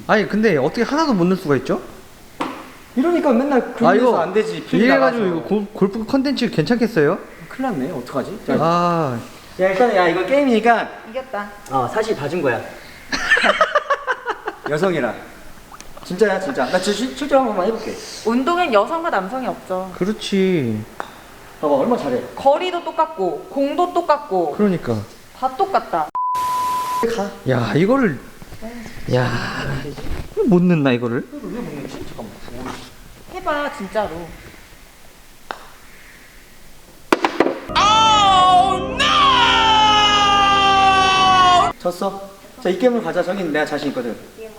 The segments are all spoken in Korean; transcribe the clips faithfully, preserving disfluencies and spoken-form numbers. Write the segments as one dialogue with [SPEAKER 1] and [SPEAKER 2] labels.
[SPEAKER 1] 아니 근데 어떻게 하나도 못 넣을 수가 있죠?
[SPEAKER 2] 이러니까 맨날
[SPEAKER 1] 아 이거
[SPEAKER 2] 안 되지. 필드
[SPEAKER 1] 이래가지고
[SPEAKER 2] 나가서.
[SPEAKER 1] 이거 골, 골프 컨텐츠 괜찮겠어요?
[SPEAKER 2] 큰일 났네. 어떡하지? 자,
[SPEAKER 1] 아
[SPEAKER 2] 야 일단 야 이거 게임이니까
[SPEAKER 3] 이겼다.
[SPEAKER 2] 어 사실 봐준 거야. 여성이라. 진짜야 진짜. 나 진짜 실제로 한 번만 해볼게.
[SPEAKER 3] 운동엔 여성과 남성이 없죠.
[SPEAKER 1] 그렇지.
[SPEAKER 2] 봐봐 얼마 잘해.
[SPEAKER 3] 거리도 똑같고 공도 똑같고
[SPEAKER 1] 그러니까
[SPEAKER 3] 다 똑같다.
[SPEAKER 2] 가.
[SPEAKER 1] 야 이거를 야 못 넣나 이거를?
[SPEAKER 2] 이거 왜 먹는지? 잠깐만.
[SPEAKER 3] 해봐 진짜로.
[SPEAKER 2] 졌어. 자 이 게임을 가자. 저긴 내가 자신 있거든.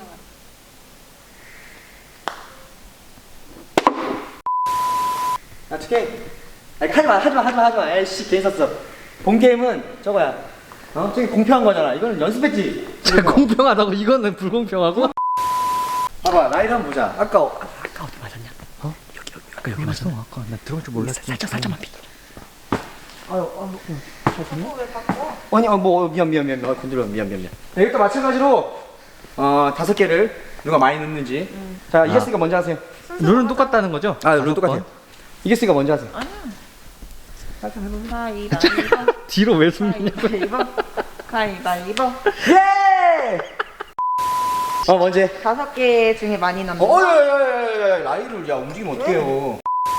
[SPEAKER 2] 아 투게임. 아니 하지마 하지마 하지마 하지마. 에이씨 괜히 샀어. 본 게임은 저거야. 어? 저기 공평한 거잖아. 이거는 연습했지.
[SPEAKER 1] 자, 공평하다고 이거는 불공평하고?
[SPEAKER 2] 봐봐 나이를 한번 보자. 아까 어, 아까 어디 맞았냐? 어? 여기 여기 아까 여기 맞았어.
[SPEAKER 1] 아까 나 들어갈 줄 몰랐어.
[SPEAKER 2] 살짝 살짝만 비. 아유 아유.
[SPEAKER 3] 자꾸 왜 바꿔?
[SPEAKER 2] 아니 어뭐 미안 미안 미안 미안 건드려 미안 미안 미안. 네, 이것도 마찬가지로 어 다섯 개를 누가 많이 넣는지.
[SPEAKER 3] 음.
[SPEAKER 2] 자 이겼으니까 먼저 하세요.
[SPEAKER 1] 룰은 똑같다는 거죠?
[SPEAKER 2] 아 룰은 똑같아요. 이겼으니까 먼저 하세요.
[SPEAKER 3] 아니야.
[SPEAKER 2] 살짝 해보면.
[SPEAKER 3] 가위바위보.
[SPEAKER 1] 뒤로 왜 숨기냐고.
[SPEAKER 3] 가위바위보. 가위바위보.
[SPEAKER 2] 예! 어 먼저 해.
[SPEAKER 3] 다섯 개 중에 많이 넣는
[SPEAKER 2] 어,
[SPEAKER 3] 거.
[SPEAKER 2] 야야야야야 라이를 야 움직이면 어떡해요?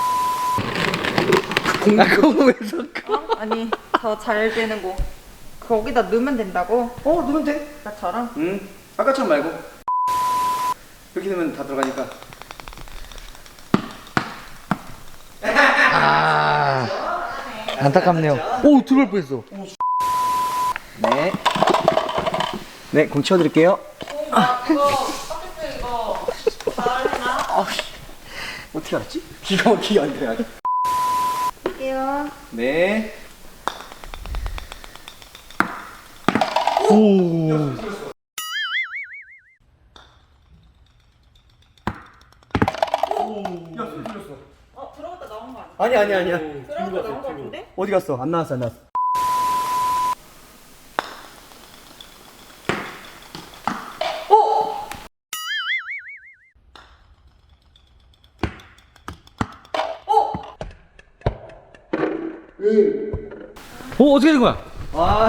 [SPEAKER 1] 아 그거 왜 섞어?
[SPEAKER 3] 어? 아니 더 잘 되는 거. 거기다 넣으면 된다고?
[SPEAKER 2] 어 넣으면 돼.
[SPEAKER 3] 나처럼?
[SPEAKER 2] 응. 아까처럼 말고. 이렇게 되면 다 들어가니까.
[SPEAKER 1] 아 안타깝네요. 오 들어갈 뻔했어.
[SPEAKER 2] 네. 네, 공 치워드릴게요.
[SPEAKER 3] 아 그거 컴퓨터 이거 잘해나?
[SPEAKER 2] 아, 어떻게 알았지? 기가 막히게 안 돼. 아직.
[SPEAKER 3] 할게요.
[SPEAKER 2] 네.
[SPEAKER 1] 오.
[SPEAKER 3] 어 들어갔다 나온 거 아니야?
[SPEAKER 2] 아니 아니 아니야.
[SPEAKER 3] 들어갔다 나온 거 같은데?
[SPEAKER 2] 어디 갔어? 안 나왔어 안 나왔어.
[SPEAKER 1] 오 어떻게 된 거야?
[SPEAKER 2] 와.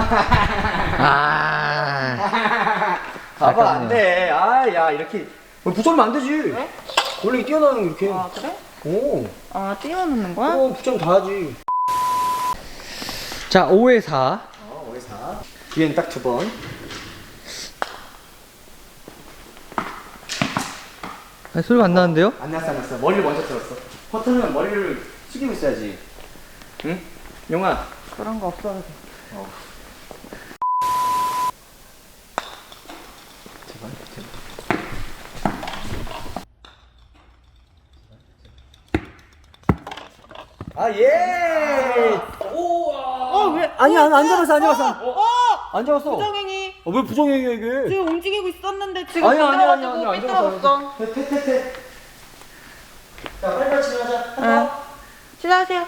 [SPEAKER 1] 아.
[SPEAKER 2] 봐봐 안 돼. 아, 야 이렇게 붙잡으면 안 되지.
[SPEAKER 3] 왜?
[SPEAKER 2] 원래 뛰어나는 거 이렇게.
[SPEAKER 3] 아 그래?
[SPEAKER 2] 오.
[SPEAKER 3] 아 띄워놓는 거야?
[SPEAKER 2] 어, 붙잡으면 다 하지.
[SPEAKER 1] 자 오에 사.
[SPEAKER 2] 어, 오에 사. 뒤엔 딱 두 번.
[SPEAKER 1] 아, 소리가 안 나는데요?
[SPEAKER 2] 안 났어 안 났어. 머리를 먼저 들었어. 퍼터는 머리를 숙이고 있어야지. 응? 용아.
[SPEAKER 3] 그런 거 없어도 돼.
[SPEAKER 2] 어. 제발, 제발. 아, 예!
[SPEAKER 3] 어 왜?
[SPEAKER 2] 아니야, 안, 안 잡았어, 안 잡았어.
[SPEAKER 3] 어!
[SPEAKER 2] 안 잡았어.
[SPEAKER 3] 부정행위.
[SPEAKER 2] 어, 왜 부정행위야, 이게?
[SPEAKER 3] 지금 움직이고 있었는데 지금
[SPEAKER 2] 아니야, 아니야, 아니야,
[SPEAKER 3] 삐뚤어가지고
[SPEAKER 2] 아니야, 안 잡았어.
[SPEAKER 3] 삐뚤어졌어.
[SPEAKER 2] 태, 태, 태, 태. 자, 빨리빨리 진행하자.
[SPEAKER 3] 응. 시작하세요.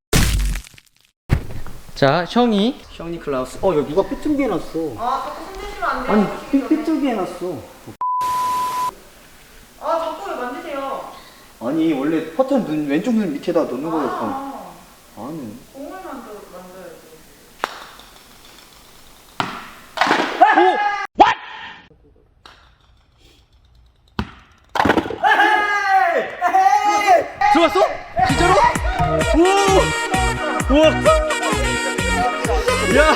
[SPEAKER 1] 자 형이
[SPEAKER 2] 셔니 클라우스. 어, 야, 누가 삐뚤게 해놨어.
[SPEAKER 3] 아 자꾸 손대시면 안 돼요.
[SPEAKER 2] 아니, 삐, 삐뚤게 해놨어.
[SPEAKER 3] 아 자꾸 왜 만드세요?
[SPEAKER 2] 아니, 원래 퍼터 눈, 왼쪽 눈 밑에다 놓는 거였어.
[SPEAKER 3] 아
[SPEAKER 2] 아니.
[SPEAKER 3] 공을 만들 만들어야지.
[SPEAKER 1] 들어왔어? 진짜로? 오! 우와! 야!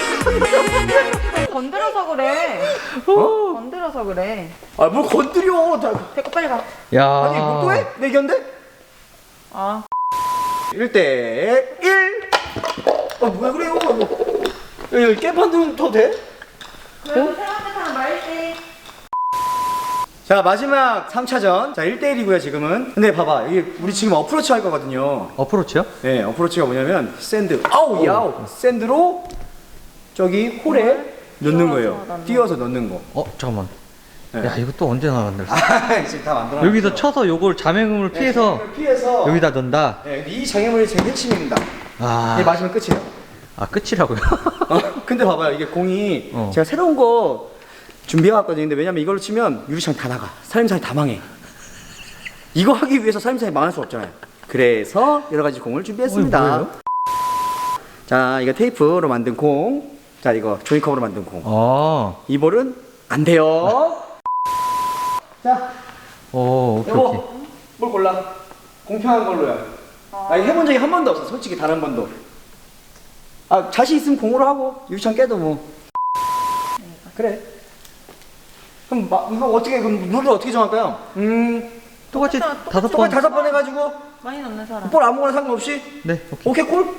[SPEAKER 3] 건드려서 그래.
[SPEAKER 2] 어?
[SPEAKER 3] 건드려서 그래.
[SPEAKER 2] 아, 뭘 건드려. 다.
[SPEAKER 3] 됐고 빨리 가.
[SPEAKER 1] 야!
[SPEAKER 2] 아니, 뭐 또 해? 내견데?
[SPEAKER 3] 아
[SPEAKER 2] 일 대 일. 아, 뭐야, 그래요? 뭐. 야, 여기 깨판들은 더 돼?
[SPEAKER 3] 그래도 사람들 사람 말지.
[SPEAKER 2] 자, 마지막 삼 차전. 자, 일 대 일이고요, 지금은. 근데 봐봐. 이게 우리 지금 어프로치 할 거거든요.
[SPEAKER 1] 어프로치요?
[SPEAKER 2] 네, 어프로치가 뭐냐면, 샌드. 아우, 야우. 샌드로 저기 홀에 넣는
[SPEAKER 3] 띄워서
[SPEAKER 2] 거예요.
[SPEAKER 3] 넣는
[SPEAKER 2] 띄워서 넣는 거.
[SPEAKER 1] 어 잠깐만.
[SPEAKER 2] 네.
[SPEAKER 1] 야 이거 또 언제 나간다?
[SPEAKER 2] 아, 지금 다 만들어.
[SPEAKER 1] 여기서 쳐서 요걸 자맹음을 피해서
[SPEAKER 2] 피해서
[SPEAKER 1] 여기다 넣는다.
[SPEAKER 2] 네, 이 장애물이 제일 핵심입니다.
[SPEAKER 1] 아,
[SPEAKER 2] 이게 맞으면 끝이에요.
[SPEAKER 1] 아 끝이라고요?
[SPEAKER 2] 어, 근데 봐봐요. 이게 공이
[SPEAKER 1] 어.
[SPEAKER 2] 제가 새로운 거 준비해왔거든요. 근데 왜냐면 이걸로 치면 유리창 다 나가. 살림살이 다 망해. 이거 하기 위해서 살림살이 망할 수 없잖아요. 그래서 여러 가지 공을 준비했습니다.
[SPEAKER 1] 어, 뭐예요?
[SPEAKER 2] 자, 이거 테이프로 만든 공. 자, 이거 종이컵으로 만든 공.
[SPEAKER 1] 아.
[SPEAKER 2] 이 볼은 안 돼요. 자,
[SPEAKER 1] 오, 오케이, 오케이.
[SPEAKER 2] 여보, 뭘 골라? 공평한 걸로요. 나 이거 해본 적이 한 번도 없어. 솔직히 단 한 번도. 아, 자신 있으면 공으로 하고 유리창 깨도 뭐. 그래. 그럼 마, 이거 어떻게 그럼 룰을 어떻게 정할까요? 음,
[SPEAKER 1] 똑같이
[SPEAKER 3] 똑같아,
[SPEAKER 1] 다섯
[SPEAKER 2] 똑같이
[SPEAKER 1] 번.
[SPEAKER 2] 다섯 번 해가지고
[SPEAKER 3] 많이 넣는 사람.
[SPEAKER 2] 볼 아무거나 상관없이.
[SPEAKER 1] 네, 오케이.
[SPEAKER 2] 오케이 꿀.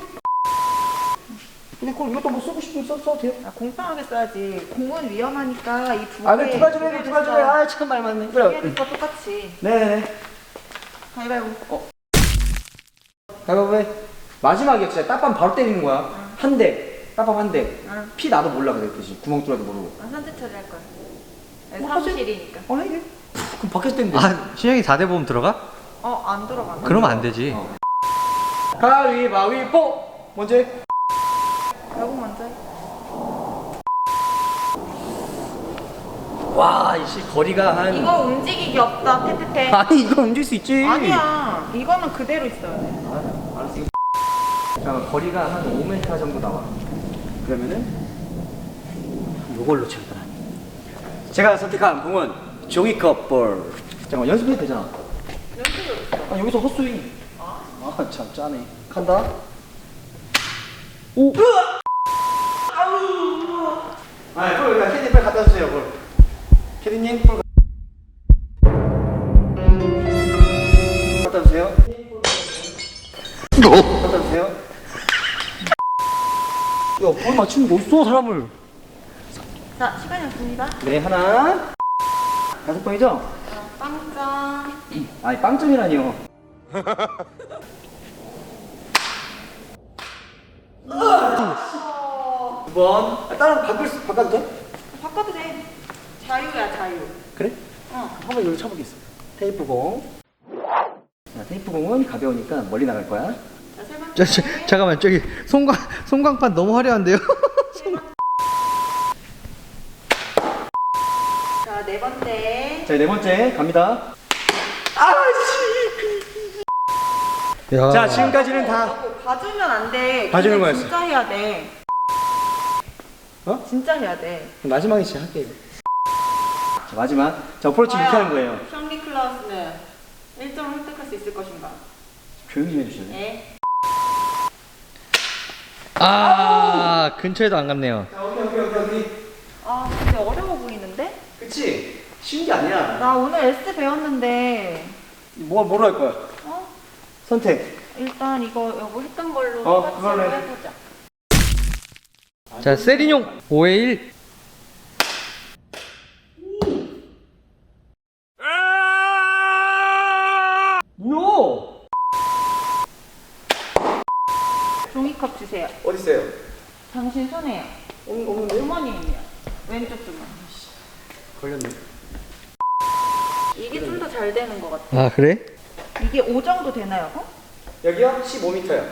[SPEAKER 2] 근데 꿀 이것도 뭐 쓰고 싶으면 써, 써도 돼요.
[SPEAKER 3] 아, 공평하게 써야지. 공은 위험하니까 이 두 개.
[SPEAKER 2] 아, 그래 두 가지로 해, 두 가지로 해. 아, 참 말 많네. 그래.
[SPEAKER 3] 거 똑같이.
[SPEAKER 2] 네네네.
[SPEAKER 3] 가위바위보.
[SPEAKER 2] 어. 가위바위보 해. 마지막에 진짜 따밤 바로 때리는 거야.
[SPEAKER 3] 응.
[SPEAKER 2] 한 대. 따밤 한 대.
[SPEAKER 3] 응.
[SPEAKER 2] 피 나도 몰라 그랬듯이. 구멍 뚫어도 모르고.
[SPEAKER 3] 아, 선제 처리할 거야. 네,
[SPEAKER 2] 뭐
[SPEAKER 3] 사무실이니까.
[SPEAKER 2] 어, 해. 그럼 밖에서 때리면 돼.
[SPEAKER 1] 아, 신영이 사 대 보험 들어가?
[SPEAKER 3] 어, 안 들어가.
[SPEAKER 1] 그러면 안 되지.
[SPEAKER 2] 어. 가위바위보. 먼저 해.
[SPEAKER 3] 여보 먼저 해.
[SPEAKER 2] 와, 이씨 거리가 한.
[SPEAKER 3] 이거 움직이기 없다. 테테테.
[SPEAKER 2] 아니, 이거 움직일 수 있지.
[SPEAKER 3] 아니야. 이거는 그대로 있어야 돼.
[SPEAKER 2] 아, 알았어. 자, 거리가 한 오 미터 정도 나와. 그러면은 요걸로 칠 거야. 제가 선택한 공은 종이컵 볼. 잠깐 연습해도 되잖아.
[SPEAKER 3] 연습을.
[SPEAKER 2] 아, 여기서 헛스윙. 아, 참 짜네. 간다. 오. 으아! 아우. 아, 볼 그냥 캐디 빨리 갖다 주세요, 볼. 캐디님 볼 갖다 주세요. 갖다 주세요. 야, 볼 맞추는 거 없어, 사람을.
[SPEAKER 3] 자, 시간이 없습니다.
[SPEAKER 2] 네, 하나. 다섯 번이죠?
[SPEAKER 3] 자, 빵점.
[SPEAKER 2] 아니, 빵점이라니요. 두 번. 아, 다른 바꿀 수, 바꿔도 돼?
[SPEAKER 3] 바꿔도 돼. 자유야, 자유.
[SPEAKER 2] 그래?
[SPEAKER 3] 어.
[SPEAKER 2] 한번 여기 쳐보겠어. 테이프 공. 자, 테이프 공은 가벼우니까 멀리 나갈 거야.
[SPEAKER 3] 자, 세 번째.
[SPEAKER 1] 저, 저, 잠깐만, 저기 송광 송광판 너무 화려한데요?
[SPEAKER 3] 자, 네 번째.
[SPEAKER 2] 자, 네 번째 갑니다. 아씨.
[SPEAKER 1] 야.
[SPEAKER 2] 자, 지금까지는 다.
[SPEAKER 3] 어, 봐주면 안 돼.
[SPEAKER 2] 봐주는
[SPEAKER 3] 근데
[SPEAKER 2] 거였어.
[SPEAKER 3] 진짜 해야 돼.
[SPEAKER 2] 어?
[SPEAKER 3] 진짜 해야 돼.
[SPEAKER 2] 마지막에 진짜 할게, 이거. 자, 마지막. 자, 어프로치 이렇게 하는 거예요.
[SPEAKER 3] 션리 클라우스는 일 점을 획득할 수 있을 것인가?
[SPEAKER 2] 조용히 좀 해주실래요?
[SPEAKER 3] 네.
[SPEAKER 1] 아, 근처에도 안 갔네요.
[SPEAKER 2] 자, 오케이, 오케이, 오케이, 오케이.
[SPEAKER 3] 아, 근데 어려워 보이는데?
[SPEAKER 2] 그치? 쉬운 게 아니야.
[SPEAKER 3] 나 오늘 에스 배웠는데,
[SPEAKER 2] 뭐, 뭐로 할 거야?
[SPEAKER 3] 어?
[SPEAKER 2] 선택.
[SPEAKER 3] 일단 이거 여보 했던 걸로
[SPEAKER 2] 어,
[SPEAKER 3] 똑같이
[SPEAKER 2] 그걸로 해.
[SPEAKER 3] 해보자.
[SPEAKER 1] 자, 세리뇽 오에 일.
[SPEAKER 2] 뭐야?
[SPEAKER 3] 종이컵 주세요.
[SPEAKER 2] 어디 있어요?
[SPEAKER 3] 당신 손에요.
[SPEAKER 2] 없는, 없는데?
[SPEAKER 3] 주머니에요. 왼쪽 주머니.
[SPEAKER 2] 걸렸네.
[SPEAKER 3] 이게 좀 더 잘 되는 것 같아.
[SPEAKER 1] 아, 그래?
[SPEAKER 3] 이게 오 정도 되나요? 어?
[SPEAKER 2] 여기요? 십오 미터요.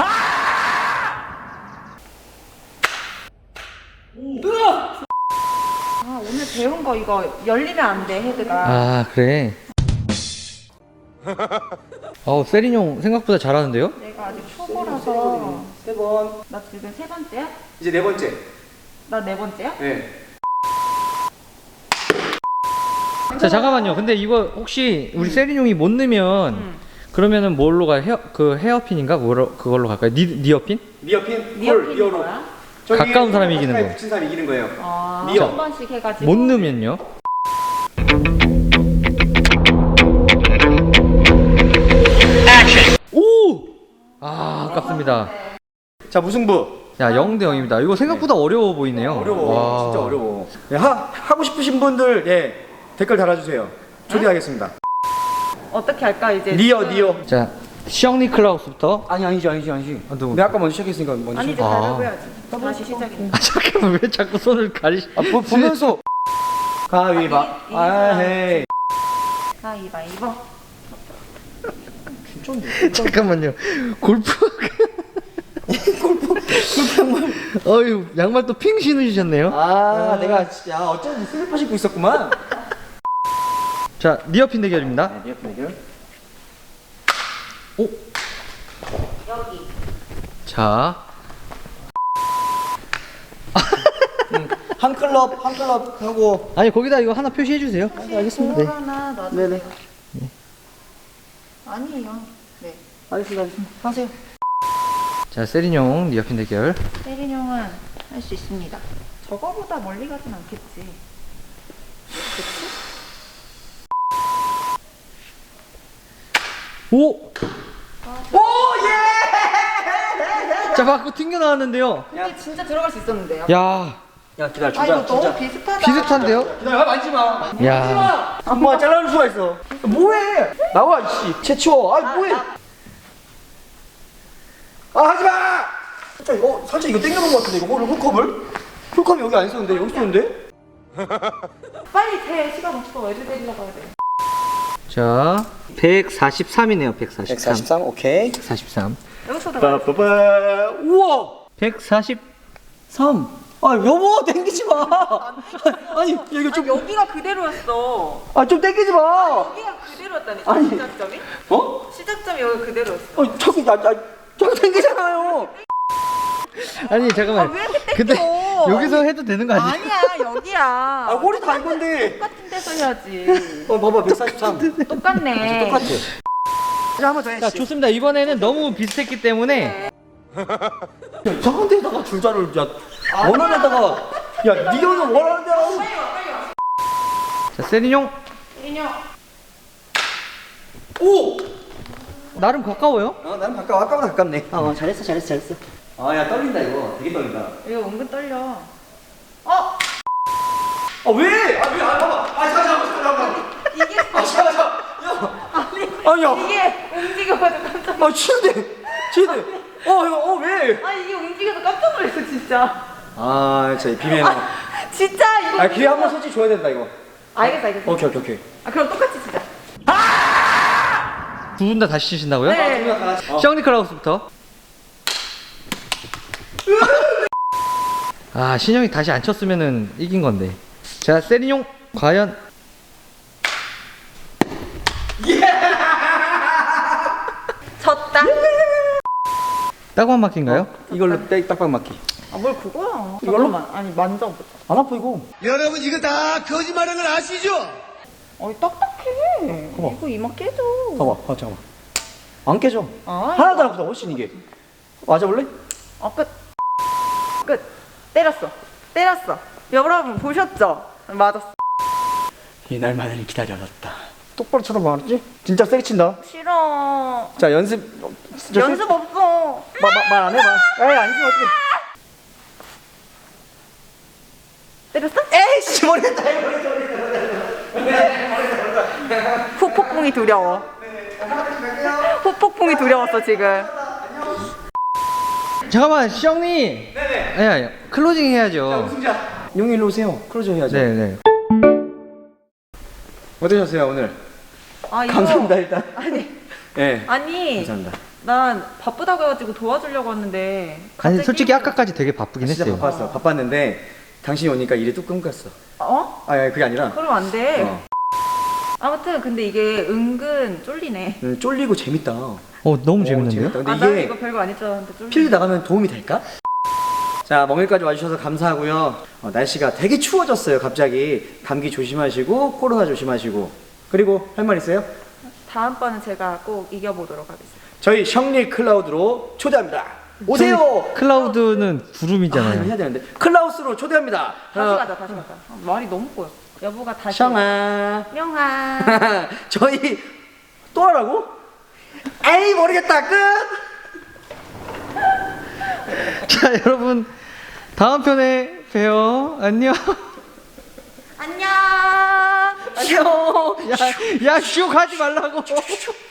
[SPEAKER 3] 아, 오늘 배운 거 이거 열리면 안 돼, 헤드가.
[SPEAKER 1] 아, 그래. 어, 세리뇽 생각보다 잘하는데요?
[SPEAKER 3] 내가 아직 초보라서.
[SPEAKER 2] 세 번.
[SPEAKER 3] 나 지금 세 번째야?
[SPEAKER 2] 이제 네 번째.
[SPEAKER 3] 나 네 번째야?
[SPEAKER 2] 네.
[SPEAKER 1] 자, 잠깐만요. 근데 이거 혹시 우리 세리뇽이 못 넣으면
[SPEAKER 3] 응.
[SPEAKER 1] 그러면은 뭘로 가? 헤어 그 헤어핀인가? 뭐로 그걸로 갈까요? 니 니어핀?
[SPEAKER 2] 니어핀?
[SPEAKER 3] 니어핀이
[SPEAKER 2] 리어로.
[SPEAKER 3] 뭐야?
[SPEAKER 2] 저기
[SPEAKER 1] 가까운 사람이 이기는
[SPEAKER 2] 가까이
[SPEAKER 1] 거.
[SPEAKER 2] 붙인 사람이 이기는 거예요.
[SPEAKER 3] 아,
[SPEAKER 2] 니어.
[SPEAKER 3] 한 번씩 해가지고.
[SPEAKER 1] 못 넣으면요? 오! 아, 아깝습니다.
[SPEAKER 2] 자, 무승부.
[SPEAKER 1] 야, 영 대 영입니다. 이거 생각보다 어려워 보이네요.
[SPEAKER 2] 어려워.
[SPEAKER 1] 와.
[SPEAKER 2] 진짜 어려워. 예, 하, 하고 싶으신 분들 예, 댓글 달아주세요. 초대하겠습니다.
[SPEAKER 3] 어떻게 할까, 이제?
[SPEAKER 2] 니어,
[SPEAKER 3] 지금?
[SPEAKER 2] 니어.
[SPEAKER 1] 자, 시영리 클라우스부터.
[SPEAKER 2] 아니, 아니지, 아니지, 아니지.
[SPEAKER 1] 아, 누구?
[SPEAKER 2] 내가 아까 먼저 시작했으니까 먼저
[SPEAKER 3] 아니, 이제
[SPEAKER 2] 시작.
[SPEAKER 1] 아.
[SPEAKER 3] 가위바위보 해야지. 다시 시작이네.
[SPEAKER 1] 아, 잠깐만, 왜 자꾸 손을 가리?
[SPEAKER 2] 아, 보, 보면서. 가위바.
[SPEAKER 3] 이- 이
[SPEAKER 2] 아,
[SPEAKER 3] 사람.
[SPEAKER 2] 헤이.
[SPEAKER 3] 가위바위보.
[SPEAKER 2] 진짜인데.
[SPEAKER 1] 잠깐만요. 골프.
[SPEAKER 2] 공평한
[SPEAKER 1] 어유 양말 또 핑 신으셨네요.
[SPEAKER 2] 아, 내가 진짜 어쩐지 슬리퍼 신고 있었구만.
[SPEAKER 1] 자, 니어핀 대결입니다.
[SPEAKER 2] 네, 리어핀 대결.
[SPEAKER 1] 오.
[SPEAKER 3] 여기.
[SPEAKER 1] 자,
[SPEAKER 2] 음, 한 클럽 한 클럽 하고.
[SPEAKER 1] 아니 거기다 이거 하나 표시해 주세요.
[SPEAKER 2] 네, 알겠습니다. 네.
[SPEAKER 3] 하나 놔.
[SPEAKER 2] 네네.
[SPEAKER 3] 아니에요. 네.
[SPEAKER 2] 알겠습니다. 알겠습니다. 하세요.
[SPEAKER 1] 자, 세린용 니어핀 대결.
[SPEAKER 3] 세린 형은 할 수 있습니다. 저거보다 멀리 가진 않겠지. 그치?
[SPEAKER 1] 오!
[SPEAKER 2] 오 예!
[SPEAKER 1] 자, 밖으로 튕겨 나왔는데요.
[SPEAKER 3] 이게 진짜 들어갈 수 있었는데요.
[SPEAKER 1] 야,
[SPEAKER 2] 야 기다려
[SPEAKER 3] 아
[SPEAKER 2] 주자
[SPEAKER 3] 이거
[SPEAKER 2] 주자.
[SPEAKER 3] 너무 비슷하다.
[SPEAKER 1] 비슷한데요?
[SPEAKER 2] 기다려 만지 마.
[SPEAKER 1] 야,
[SPEAKER 2] 엄마 잘라줄 수가 있어. 뭐해? 나와 씨. 채치워. 아 뭐해? 아 하지 마. 살짝 이거 살짝 이거 땡겨놓은 것 같은데 이거 홀 홀컵을? 홀컵이 여기 안 있었는데 여기 있었는데?
[SPEAKER 3] 빨리 제 시간 없어. 애들 데리러 가야 돼.
[SPEAKER 1] 자, 백사십삼이네요. 백사십삼.
[SPEAKER 2] 백사십삼 오케이.
[SPEAKER 1] 백사십삼.
[SPEAKER 3] 여기서 들어가.
[SPEAKER 2] 빠빠빠. 우와.
[SPEAKER 1] 백사십삼.
[SPEAKER 2] 아 여보 땡기지 마. 아니 이거 좀.
[SPEAKER 3] 아니, 여기가 그대로였어.
[SPEAKER 2] 아 좀 땡기지 마.
[SPEAKER 3] 여기가 그대로였다니.
[SPEAKER 2] 아니.
[SPEAKER 3] 시작점이?
[SPEAKER 2] 어?
[SPEAKER 3] 시작점이 여기 그대로였어.
[SPEAKER 2] 어 저기 나 나. 저기 땡기잖아요.
[SPEAKER 1] 아니, 잠깐만.
[SPEAKER 3] 아, 왜 이렇게 땡겨?
[SPEAKER 1] 근데 여기서 해도 되는 거 아니에요?
[SPEAKER 3] 아니야 여기야.
[SPEAKER 2] 아 홀이 다 이건데.
[SPEAKER 3] 똑같은 데서 해야지.
[SPEAKER 2] 어 봐봐 백사십삼.
[SPEAKER 3] 똑같네.
[SPEAKER 2] 똑같아. 자 한번 더 해.
[SPEAKER 1] 자, 좋습니다. 이번에는 너무 비슷했기 때문에
[SPEAKER 2] 저런 데다가 줄자를 야 원하는데다가 야 니어는 원하는 대로.
[SPEAKER 3] 빨리 와 빨리 와.
[SPEAKER 1] 자, 세린용
[SPEAKER 3] 세린 형.
[SPEAKER 2] 오.
[SPEAKER 1] 나름 가까워요.
[SPEAKER 2] 어 나는 가까워 아까보다 가깝네. 어 잘했어 잘했어 잘했어. 아 야 떨린다 이거 되게 떨린다.
[SPEAKER 3] 이거 은근 떨려. 어?
[SPEAKER 2] 아 왜? 아 왜? 아 봐봐. 아 잠깐 잠깐 잠깐.
[SPEAKER 3] 이게
[SPEAKER 2] 아 잠깐 잠깐. 야. 아니야.
[SPEAKER 3] 이게 움직여가지고 깜짝 놀랐어.
[SPEAKER 2] 아 치는데 치는데. 어 이거 어 왜?
[SPEAKER 3] 아 이게 움직여서 깜짝 놀랐어 진짜.
[SPEAKER 2] 아 진짜 비밀.
[SPEAKER 3] 아 진짜 이거.
[SPEAKER 2] 아 기회 한번 솔직히 줘야 된다 이거.
[SPEAKER 3] 알겠어 알겠어.
[SPEAKER 2] 오케이 오케이 오케이.
[SPEAKER 3] 아 그럼 똑같이 치자.
[SPEAKER 1] 두 분 다 다시 치신다고요?
[SPEAKER 3] 네.
[SPEAKER 2] 어.
[SPEAKER 1] 션 니클라우스부터. 아, 신영이 다시 안 쳤으면은 이긴 건데. 자, 세린용 과연
[SPEAKER 3] 졌다.
[SPEAKER 1] 따고한 바퀴인가요?
[SPEAKER 2] 이걸로 딱 딱박 맞기.
[SPEAKER 3] 아 뭘 그거야.
[SPEAKER 2] 이걸로?
[SPEAKER 3] 잠깐만. 아니 만져보자.
[SPEAKER 2] 안 아파 이거.
[SPEAKER 4] 여러분 이거 다 거짓말하는 걸 아시죠?
[SPEAKER 3] 어이 딱딱해.
[SPEAKER 2] 봐봐.
[SPEAKER 3] 이거 이마 깨져.
[SPEAKER 2] 봐봐 봐 잠깐만. 안 깨져.
[SPEAKER 3] 아,
[SPEAKER 2] 하나도
[SPEAKER 3] 이거.
[SPEAKER 2] 안 아프다 훨씬 이게. 맞아볼래?
[SPEAKER 3] 어 끝. 끝. 때렸어. 때렸어. 여러분 보셨죠? 맞았어.
[SPEAKER 2] 이날만을 기다려놨다. 똑바로 쳐다봐 알았지? 진짜 세게 친다.
[SPEAKER 3] 싫어.
[SPEAKER 2] 자 연습. 어, 진짜
[SPEAKER 3] 연습 없어.
[SPEAKER 2] 말 안 해 말. 에이 아니지 어떻게?
[SPEAKER 3] 때렸어?
[SPEAKER 2] 에이씨 모르겠다.
[SPEAKER 3] 후폭풍이 두려워. 후폭풍이 두려웠어 지금.
[SPEAKER 1] 잠깐만, 시영님. 네네. 아니, 아니, 클로징 해야죠.
[SPEAKER 2] 용이 일로 오세요. 클로즈 해야죠.
[SPEAKER 1] 네네.
[SPEAKER 2] 어떠셨어요 오늘?
[SPEAKER 3] 아 이거.
[SPEAKER 2] 감사합니다 일단.
[SPEAKER 3] 아니
[SPEAKER 2] 예.
[SPEAKER 3] 아니.
[SPEAKER 2] 감사합니다.
[SPEAKER 3] 난 바쁘다고 해가지고 도와주려고 왔는데.
[SPEAKER 1] 아니,
[SPEAKER 3] 갑자기
[SPEAKER 1] 솔직히 아까까지 되게 바쁘긴
[SPEAKER 2] 진짜
[SPEAKER 1] 했어요.
[SPEAKER 2] 바빴어. 바빴는데 당신이 오니까 일이 뚝 끊겼어.
[SPEAKER 3] 어?
[SPEAKER 2] 아 아니, 그게 아니라.
[SPEAKER 3] 그럼 안 돼.
[SPEAKER 2] 어.
[SPEAKER 3] 아무튼 근데 이게 은근 쫄리네.
[SPEAKER 2] 음, 쫄리고 재밌다. 어,
[SPEAKER 1] 어, 너무 재밌는데요?
[SPEAKER 2] 재밌다. 근데
[SPEAKER 3] 아, 나는
[SPEAKER 2] 이게
[SPEAKER 3] 이거 별거 아닐 줄 알았는데 쫄리네.
[SPEAKER 2] 필드 나가면 도움이 될까? 자, 멍일까지 와주셔서 감사하고요. 어, 날씨가 되게 추워졌어요, 갑자기. 감기 조심하시고, 코로나 조심하시고. 그리고 할 말 있어요?
[SPEAKER 3] 다음번은 제가 꼭 이겨보도록 하겠습니다.
[SPEAKER 2] 저희 션리 클라우드로 초대합니다. 오세요!
[SPEAKER 1] 저희 클라우드는
[SPEAKER 2] 아,
[SPEAKER 1] 구름이잖아요.
[SPEAKER 2] 이거 해야 되는데. 클라우스로 초대합니다.
[SPEAKER 3] 다시
[SPEAKER 2] 어,
[SPEAKER 3] 가자, 다시 가자. 아, 말이 너무 꼬여. 여보가 다시.
[SPEAKER 2] 샹아.
[SPEAKER 3] 명아.
[SPEAKER 2] 저희 또 하라고? 에이, 모르겠다. 끝!
[SPEAKER 1] 자, 여러분, 다음 편에 봬요. 안녕.
[SPEAKER 3] 안녕.
[SPEAKER 2] 안녕!
[SPEAKER 1] 야, 야, 슉 하지 말라고.